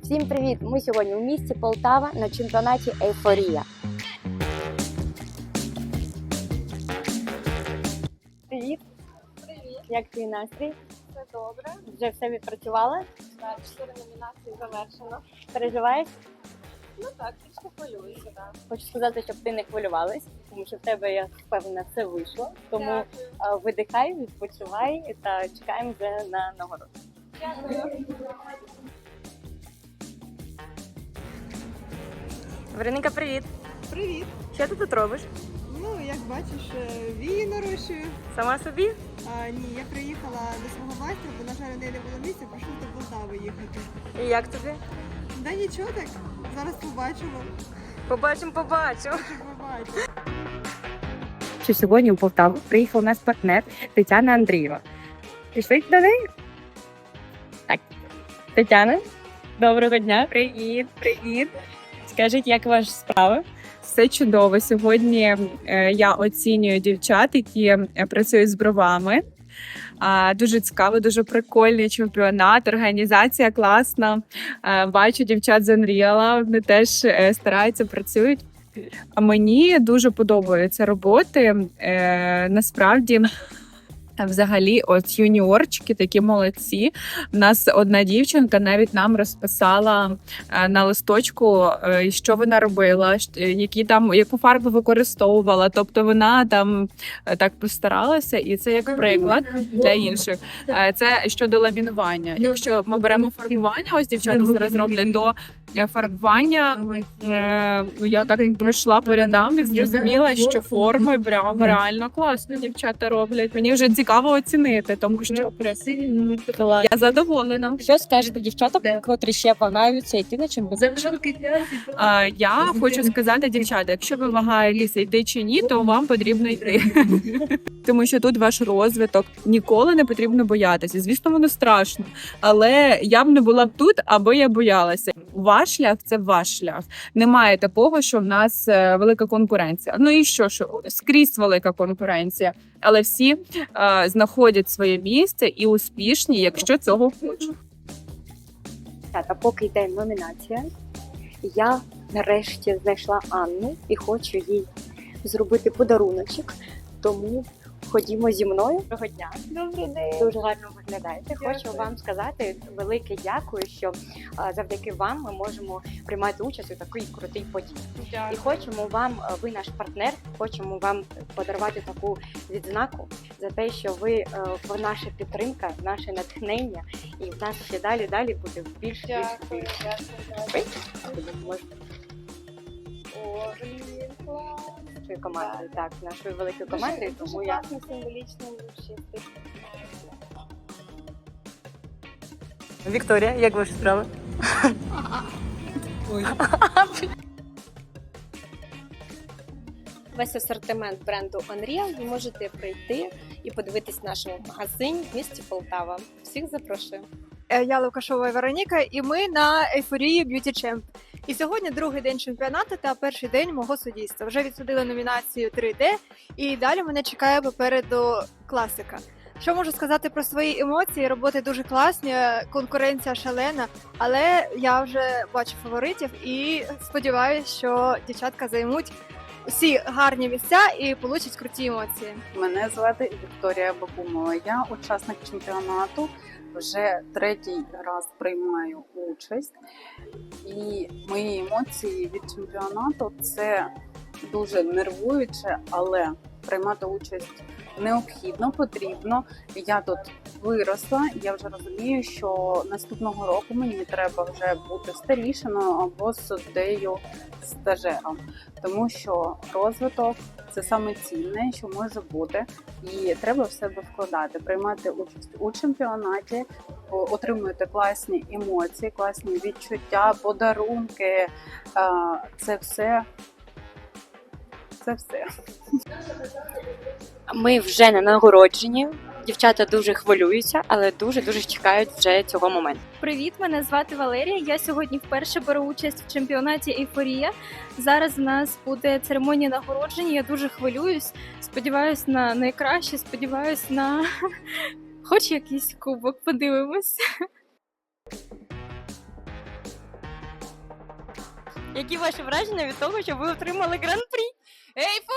Всім привіт! Ми сьогодні у місті Полтава на чемпіонаті Ейфорія. Привіт! Привіт! Як твій настрій? Все добре. Вже все відпрацювала? Так, 4 номінації завершено. Переживаєш? Ну так, трішки хвилююся, так. Хочу сказати, щоб ти не хвилювалась, тому що в тебе, я впевнена, все вийшло. Тому Дякую. видихай, відпочивай та чекаємо вже на нагороду. Дякую. Вероніка, привіт! Привіт! Що ти тут робиш? Ну, як бачиш, вії нарощую. Сама собі? Ні, я приїхала до свого майстра, бо, на жаль, у неї не було місця, прийшла до Полтави їхати. І як тобі? Да нічого так, зараз побачимо. Побачимо. Побачимо. Що сьогодні у Полтаву приїхав наш партнер Тетяна Андрієва. Пішли до неї? Так. Тетяна, доброго дня. Привіт, привіт. Скажіть, як ваші справи? Все чудово. Сьогодні я оцінюю дівчат, які працюють з бровами. Дуже цікаво, дуже прикольний чемпіонат, організація класна. Бачу дівчат з Unreal, вони теж стараються, працюють. А мені дуже подобаються роботи. Насправді, взагалі, от юніорчики такі молодці. У нас одна дівчинка навіть нам розписала на листочку, що вона робила, яку фарбу використовувала. Тобто вона там так постаралася, і це як приклад для інших. Це щодо ламінування. Якщо ми беремо фарбування, ось дівчата зараз роблять до фарбування, я так пройшла по рядам і зрозуміла, що форми прям реально класно дівчата роблять. Мені вже цікаво оцінити, тому що я задоволена. Що скажете дівчатам, котрі ще вагаються йти на чемпіонат? Я хочу сказати, дівчата, якщо ви вагаєтеся йти чи ні, то вам потрібно йти. Тому що тут ваш розвиток, ніколи не потрібно боятися. Звісно, воно страшно, але я б не була б тут, аби я боялася. Ваш шлях – це ваш шлях. Немає такого, що в нас велика конкуренція. Ну і що скрізь велика конкуренція. Але всі знаходять своє місце і успішні, якщо цього хочуть. А поки йде номінація, я нарешті знайшла Анну і хочу їй зробити подаруночок. Тому ходімо зі мною. Доброго дня. Добрий день. Дуже гарно виглядаєте. Дякую. Хочу вам сказати велике дякую, що завдяки вам ми можемо приймати участь у такій крутій події. І Дякую. хочемо вам, ви наш партнер, хочемо вам подарувати таку відзнаку за те, що ви наша підтримка, наше натхнення, і в нас ще далі буде більше. Дякую. Можете О, блін, клас. нашою командою, так, нашою великою командою, Дуже тому я класно, символічно вручити. Вікторія, як ваші справи? Весь асортимент бренду Unreal ви можете прийти і подивитись в нашому магазині в місті Полтава. Всіх запрошую. Я Лукашова Вероніка, і ми на Ейфорії Beauty Champ. І сьогодні другий день чемпіонату та перший день мого суддівства. Вже відсудили номінацію 3D, і далі мене чекає попереду класика. Що можу сказати про свої емоції? Роботи дуже класні, конкуренція шалена, але я вже бачу фаворитів і сподіваюся, що дівчатка займуть усі гарні місця і получать круті емоції. Мене звати Вікторія Бакумова. Я учасник чемпіонату. Вже третій раз приймаю участь. І мої емоції від чемпіонату – це дуже нервуюче, але приймати участь необхідно, потрібно. Я тут виросла, я вже розумію, що наступного року мені треба вже бути старішиною або суддею-стажером. Тому що розвиток – це саме цінне, що може бути. І треба в себе вкладати, приймати участь у чемпіонаті, отримуєте класні емоції, класні відчуття, подарунки. Це все. Ми вже на нагородженні. Дівчата дуже хвилюються, але дуже чекають вже цього моменту. Привіт, мене звати Валерія. Я сьогодні вперше беру участь в чемпіонаті Ейфорія. Зараз в нас буде церемонія нагородження. Я дуже хвилююсь. Сподіваюсь на найкраще, сподіваюсь на хоч якийсь кубок. Подивимось. Які ваші враження від того, що ви отримали гран-прі? Ейфорія!